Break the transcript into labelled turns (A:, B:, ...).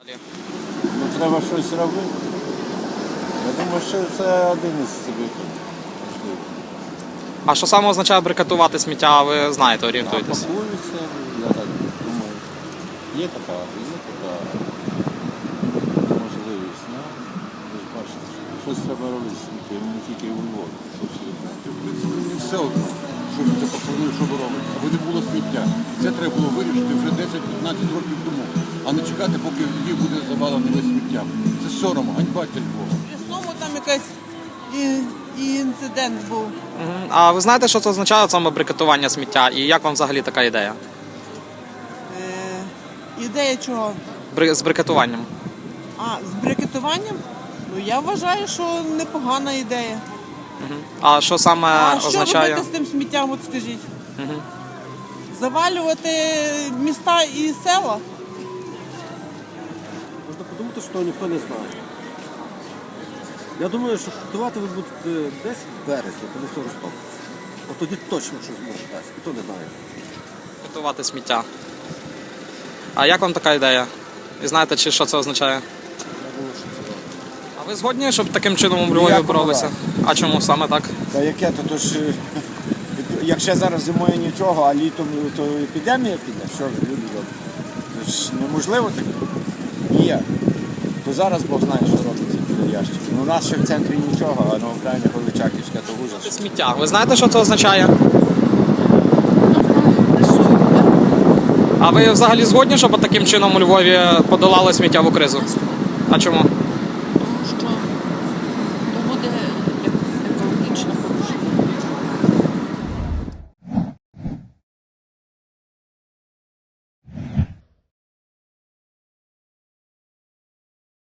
A: Ну, треба щось робити. Я думаю, що це один із событий.
B: А що саме означає брикетувати сміття, ви знаєте, орієнтуєтесь?
A: Пакуються, я так думаю. Є така можливість. Ну, ви ж бачите, що щось треба робити з сміттям, не тільки у Львові.
C: Не все одно, що ви це пропонуєте, що ви робите. Аби не було сміття. Це треба було вирішити вже 10-15 років тому, а не чекати, поки Львів буде завалений весь сміттям. Це сором, ганьба для Львова.
D: Знову там якийсь інцидент був.
B: А ви знаєте, що це означає саме брикетування сміття? І як вам взагалі така ідея?
D: Ідея чого?
B: З брикетуванням.
D: З брикетуванням? Ну, я вважаю, що непогана ідея.
B: А що саме
D: Що
B: означає?
D: робити з тим сміттям, от скажіть? Завалювати міста і села?
E: Можна подумати, що ніхто не знає. Я думаю, що готувати ви будете десь в березні, коли все розтопиться. От тоді точно щось може дасть, ніхто не знає.
B: Брикетувати сміття. А як вам така ідея? І знаєте, чи що це означає?
E: Я думаю, що це добре.
B: А ви згодні, щоб таким чином у Львові
A: Ніякого
B: боролися? А чому саме так?
A: Та яке то, то ж, якщо зараз зимою нічого, а літом то епідемія піде, що ж люди роблять? Це ж неможливо таке. Ніяк. То зараз Бог знає, що робиться під ящиком. Ну, у нас ще в центрі нічого, а на Україні Величаківська, то ужас.
B: Сміття. Ви знаєте, що це означає? А ви взагалі згодні, щоб таким чином у Львові подолали сміттєву кризу? А чому?